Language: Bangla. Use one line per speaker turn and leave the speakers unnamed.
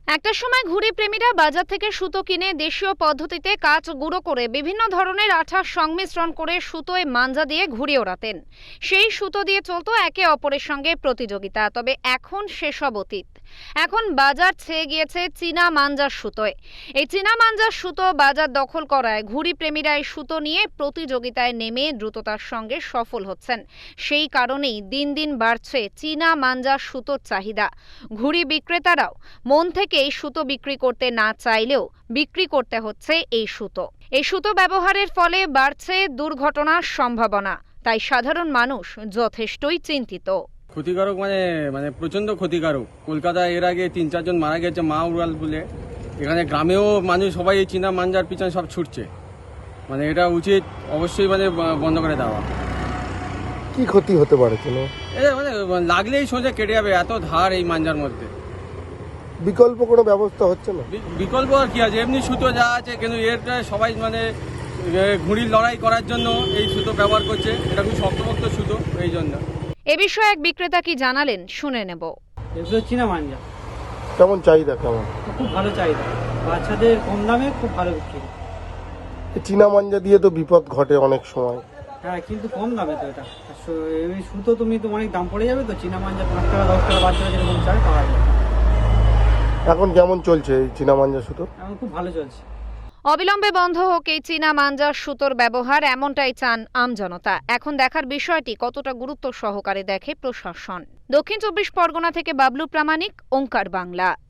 একটা সময় ঘুড়ি প্রেমীরা বাজার থেকে সুতো কিনে দেশীয় পদ্ধতিতে কাঁচ গুঁড়ো করে বিভিন্ন ধরনের আঠার সংমিশ্রণ করে সুতোয় মাঞ্জা দিয়ে ঘুড়ি ওড়াতেন। সেই সুতো দিয়ে চলতো একে অপরের সঙ্গে প্রতিযোগিতা। তবে এখন সেসব অতীত। এখন বাজার ছেয়ে গিয়েছে চীনা মাঞ্জার সুতোয়। এই চীনা মাঞ্জার সুতো বাজার দখল করায় ঘুড়ি প্রেমীরা এই সুতো নিয়ে প্রতিযোগিতায় নেমে দ্রুততার সঙ্গে সফল হচ্ছেন। সেই কারণেই দিন দিন বাড়ছে চীনা মাঞ্জার সুতোর চাহিদা। ঘুড়ি বিক্রেতারাও মন থেকে এই সুতো বিক্রি করতে না চাইলেও বিক্রি করতে হচ্ছে এই সুতো ব্যবহারের ফলে বাড়ছে দুর্ঘটনার সম্ভাবনা। তাই সাধারণ মানুষ যথেষ্টই চিন্তিত।
ক্ষতিকারক মানে মানে প্রচন্ড ক্ষতিকারক। কলকাতায় এর আগে 3-4 জন মারা গেছে মা উড়াল বলে। এখানে গ্রামেও মানুষ সবাই এই চীনা মাঞ্জার পিছনে সব ছুটছে। মানে এটা উচিত অবশ্যই মানে বন্ধ করে দেওয়া।
কি ক্ষতি হতে পারে কোনো?
এটা মানে লাগলেই সোজা কেটে যাবে, এত ধার এই মাঞ্জার মধ্যে।
বিকল্প কোনো ব্যবস্থা হচ্ছে না?
বিকল্প আর কি আছে, এমনি সুতো যা আছে, কিন্তু এরটা সবাই মানে ঘুড়ির লড়াই করার জন্য এই সুতো ব্যবহার করছে। এটা খুব শক্তপোক্ত সুতো, এই জন্য।
এ বিষয়ে এক বিক্রেতা কি জানালেন শুনে নেব।
এগুলো চীনা মাঞ্জা,
কেমন চাহিদা কেমন?
খুব ভালো চাহিদা, বাচ্চাদের কম দামে খুব ভালো বিক্রি।
এই চীনা মাঞ্জা দিয়ে তো বিপদ ঘটে অনেক সময়।
হ্যাঁ, কিন্তু কম দামে তো এটা। এই সুতো তুমি তো অনেক দাম পড়ে যাবে, তো চীনা মাঞ্জা 5 টাকা 10 টাকা বাচ্চারা যেরকম চায় পাওয়া যায়।
এখন কেমন চলছে এই চীনা মাঞ্জা সুতো?
এখন খুব ভালো চলছে।
অবিলম্বে বন্ধ হোক এই চীনা মাঞ্জার সুতোর ব্যবহার, এমনটাই চান আমজনতা। এখন দেখার বিষয়টি কতটা গুরুত্ব সহকারে দেখে প্রশাসন। দক্ষিণ 24 পরগনা থেকে বাবলু প্রামাণিক, ওঙ্কার বাংলা।